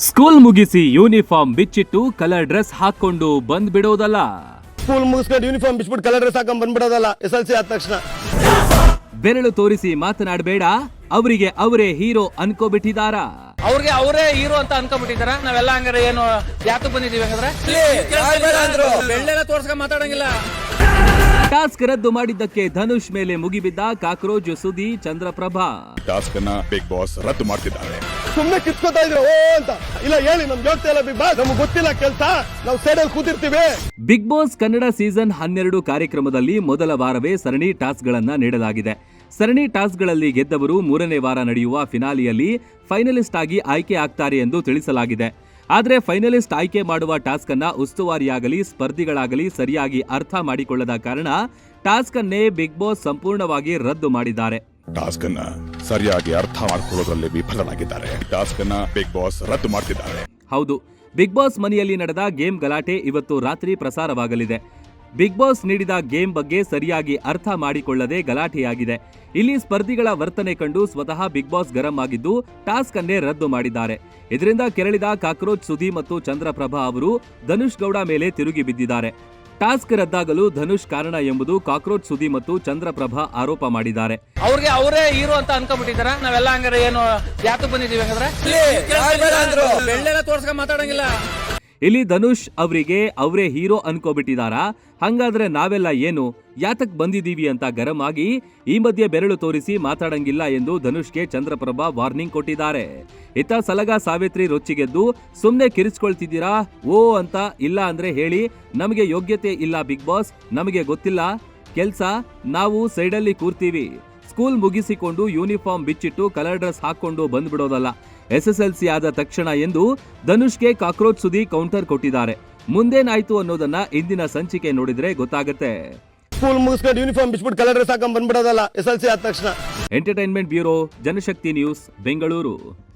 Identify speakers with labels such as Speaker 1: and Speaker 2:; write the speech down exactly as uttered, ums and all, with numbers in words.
Speaker 1: School ಮುಗಿಸಿ uniform ಬಿಚ್ಚಿಟ್ಟು colour dress ಹಾಕೊಂಡು ಬಂದ್ ಬಿಡೋದಲ್ಲ.
Speaker 2: ಸ್ಕೂಲ್ ಮುಗಿಸ್ಕೊಂಡು ಯೂನಿಫಾರ್ಮ್ ಬಿಚ್ಬಿಟ್ಟು ಕಲರ್ ಡ್ರೆಸ್ ಹಾಕೊಂಡ್ ಬಂದ್ಬಿಡೋದಲ್ಲ ಎಸ್ ಎಲ್ ಸಿ ಆದ ತಕ್ಷಣ.
Speaker 1: ಬೆರಳು ತೋರಿಸಿ ಮಾತನಾಡಬೇಡ, ಅವರಿಗೆ ಅವರೇ ಹೀರೋ ಅನ್ಕೋಬಿಟ್ಟಿದಾರ.
Speaker 3: ಅವ್ರಿಗೆ ಅವರೇ ಹೀರೋ ಅಂತ ಅನ್ಕೊಂಡ್ಬಿಟ್ಟಿದಾರ. ನಾವೆಲ್ಲ ಹಂಗಾರೆ ಏನು ಯಾಕೆ ಬಂದಿದೀವಿ ಹಂಗಂದ್ರೆ ಬೆಳ್ಳೆಲ್ಲ ತೋರ್ಸ್ಕೊಂಡ್ ಮಾತಾಡಂಗಿಲ್ಲ.
Speaker 1: ಟಾಸ್ಕ್ ರದ್ದು ಮಾಡಿದ್ದಕ್ಕೆ ಧನುಷ್ ಮೇಲೆ ಮುಗಿಬಿದ್ದ ಕಾಕ್ರೋಚ್ ಸುದಿ ಚಂದ್ರಪ್ರಭಾ.
Speaker 4: ಟಾಸ್ಕ್ ಅನ್ನ ಬಿಗ್ ಬಾಸ್ ರದ್ದು ಮಾಡ್ತಿದ್ದಾರೆ.
Speaker 2: ಸುಮ್ನೆ ಕಿತ್ಕೋತಾ ಇದ್ರು ಓ ಅಂತ. ಇಲ್ಲ ಹೇಳಿ ನಮ್ಗೆ ಹೇಳ್ತಾ ಇಲ್ಲ ಬಿಗ್ ಬಾಸ್, ನಮ್ಗೆ ಗೊತ್ತಿಲ್ಲ ಕೆಲಸ, ನಾವು ಸೈಡಲ್ಲಿ ಕೂತಿರ್ತೀವಿ.
Speaker 1: ಬಿಗ್ ಬಾಸ್ ಕನ್ನಡ ಸೀಸನ್ ಹನ್ನೆರಡು ಕಾರ್ಯಕ್ರಮದಲ್ಲಿ ಮೊದಲ ವಾರವೇ ಸರಣಿ ಟಾಸ್ಕ್ ಗಳನ್ನ ನೀಡಲಾಗಿದೆ. ಸರಣಿ ಟಾಸ್ಕ್ಗಳಲ್ಲಿ ಗೆದ್ದವರು ಮೂರನೇ ವಾರ ನಡೆಯುವ ಫಿನಾಲಿಯಲ್ಲಿ ಫೈನಲಿಸ್ಟ್ ಆಗಿ ಆಯ್ಕೆ ಆಗ್ತಾರೆ ಎಂದು ತಿಳಿಸಲಾಗಿದೆ. ಆದರೆ ಫೈನಲಿಸ್ಟ್ ಆಯ್ಕೆ ಮಾಡುವ ಟಾಸ್ಕ್ ಅನ್ನ ಉಸ್ತುವಾರಿಯಾಗಲಿ ಸ್ಪರ್ಧಿಗಳಾಗಲಿ ಸರಿಯಾಗಿ ಅರ್ಥ ಮಾಡಿಕೊಳ್ಳದ ಕಾರಣ ಟಾಸ್ಕ್ ಅನ್ನೇ ಬಿಗ್ ಬಾಸ್ ಸಂಪೂರ್ಣವಾಗಿ ರದ್ದು ಮಾಡಿದ್ದಾರೆ.
Speaker 4: ಟಾಸ್ಕ್ ಅನ್ನ ಸರಿಯಾಗಿ ಅರ್ಥ ಮಾಡಿಕೊಳ್ಳೋದ್ರಲ್ಲಿ ವಿಫಲರಾಗಿದ್ದಾರೆ. ಟಾಸ್ಕ್ ಅನ್ನ ಬಿಗ್ ಬಾಸ್ ರದ್ದು ಮಾಡ್ತಿದ್ದಾರೆ.
Speaker 1: ಹೌದು, ಬಿಗ್ ಬಾಸ್ ಮನೆಯಲ್ಲಿ ನಡೆದ ಗೇಮ್ ಗಲಾಟೆ ಇವತ್ತು ರಾತ್ರಿ ಪ್ರಸಾರವಾಗಲಿದೆ. ಬಿಗ್ ಬಾಸ್ ನೀಡಿದ ಗೇಮ್ ಬಗ್ಗೆ ಸರಿಯಾಗಿ ಅರ್ಥ ಮಾಡಿಕೊಳ್ಳದೆ ಗಲಾಟೆಯಾಗಿದೆ. ಇಲ್ಲಿ ಸ್ಪರ್ಧಿಗಳ ವರ್ತನೆ ಕಂಡು ಸ್ವತಃ ಬಿಗ್ ಬಾಸ್ ಗರಂ ಆಗಿದ್ದು ಟಾಸ್ಕ್ ಅನ್ನೇ ರದ್ದು ಮಾಡಿದ್ದಾರೆ. ಇದರಿಂದ ಕೆರಳಿದ ಕಾಕ್ರೋಚ್ ಸುದಿ ಮತ್ತು ಚಂದ್ರಪ್ರಭಾ ಅವರು ಧನುಷ್ ಗೌಡ ಮೇಲೆ ತಿರುಗಿ ಬಿದ್ದಿದ್ದಾರೆ. ಟಾಸ್ಕ್ ರದ್ದಾಗಲು ಧನುಷ್ ಕಾರಣ ಎಂಬುದು ಕಾಕ್ರೋಚ್ ಸುದಿ ಮತ್ತು ಚಂದ್ರಪ್ರಭಾ ಆರೋಪ ಮಾಡಿದ್ದಾರೆ.
Speaker 3: ಅವ್ರಿಗೆ ಅವರೇ ಹೀರೋ ಅಂತ ಅನ್ಕೊಂಡ್ಬಿಟ್ಟಿದಾರ. ನಾವೆಲ್ಲ ಹಂಗಾರೆ ಏನು ಯಾಕೆ ಬಂದಿದೀವಿ ಹಂಗಂದ್ರೆ ಬೆಳ್ಳೆಲ್ಲ ತೋರ್ಸ್ಕೊಂಡ್ ಮಾತಾಡಂಗಿಲ್ಲ.
Speaker 1: ಇಲ್ಲಿ ಧನುಷ್ ಅವರಿಗೆ ಅವರೇ ಹೀರೋ ಅನ್ಕೋಬಿಟ್ಟಿದಾರ. ಹಂಗಾದ್ರೆ ನಾವೆಲ್ಲ ಏನು ಯಾತಕ್ ಬಂದಿದೀವಿ ಅಂತ ಗರಂ ಆಗಿ ಈ ಮಧ್ಯೆ ಬೆರಳು ತೋರಿಸಿ ಮಾತಾಡಂಗಿಲ್ಲ ಎಂದು ಧನುಷ್ಗೆ ಚಂದ್ರಪ್ರಭಾ ವಾರ್ನಿಂಗ್ ಕೊಟ್ಟಿದ್ದಾರೆ. ಇತ್ತ ಸಲಗ ಸಾವಿತ್ರಿ ರೊಚ್ಚಿಗೆದ್ದು ಸುಮ್ನೆ ಕಿರಿಸ್ಕೊಳ್ತಿದ್ದೀರಾ ಓ ಅಂತ. ಇಲ್ಲ ಅಂದ್ರೆ ಹೇಳಿ, ನಮಗೆ ಯೋಗ್ಯತೆ ಇಲ್ಲ ಬಿಗ್ ಬಾಸ್, ನಮಗೆ ಗೊತ್ತಿಲ್ಲ ಕೆಲ್ಸ, ನಾವು ಸೈಡಲ್ಲಿ ಕೂರ್ತೀವಿ. ಸ್ಕೂಲ್ ಮುಗಿಸಿಕೊಂಡು ಯೂನಿಫಾರ್ಮ್ ಬಿಚ್ಚಿಟ್ಟು ಕಲರ್ ಡ್ರೆಸ್ ಹಾಕೊಂಡು ಬಂದ್ಬಿಡೋದಲ್ಲ ಎಸ್ ಎಸ್ ಎಲ್ ಸಿ ಆದ ತಕ್ಷಣ ಎಂದು ಧನುಷ್ಗೆ ಕಾಕ್ರೋಚ್ ಸುದಿ ಕೌಂಟರ್ ಕೊಟ್ಟಿದ್ದಾರೆ. ಮುಂದೇನಾಯ್ತು ಅನ್ನೋದನ್ನ ಇಂದಿನ ಸಂಚಿಕೆ ನೋಡಿದ್ರೆ ಗೊತ್ತಾಗುತ್ತೆ.
Speaker 2: ಸ್ಕೂಲ್ ಮುಗಿಸ್ಕೊಂಡು ಯೂನಿಫಾರ್ಮ್ ಬಿಚ್ಬಿಟ್ಟು ಕಲರ್ ಡ್ರೆಸ್ ಹಾಕೊಂಡ್ ಬಂದ್ಬಿಡೋದಲ್ಲ ಎಸ್ ಎಲ್ ಸಿ ಆದ ತಕ್ಷಣ.
Speaker 1: Entertainment bureau, Janashakti news, Bengaluru.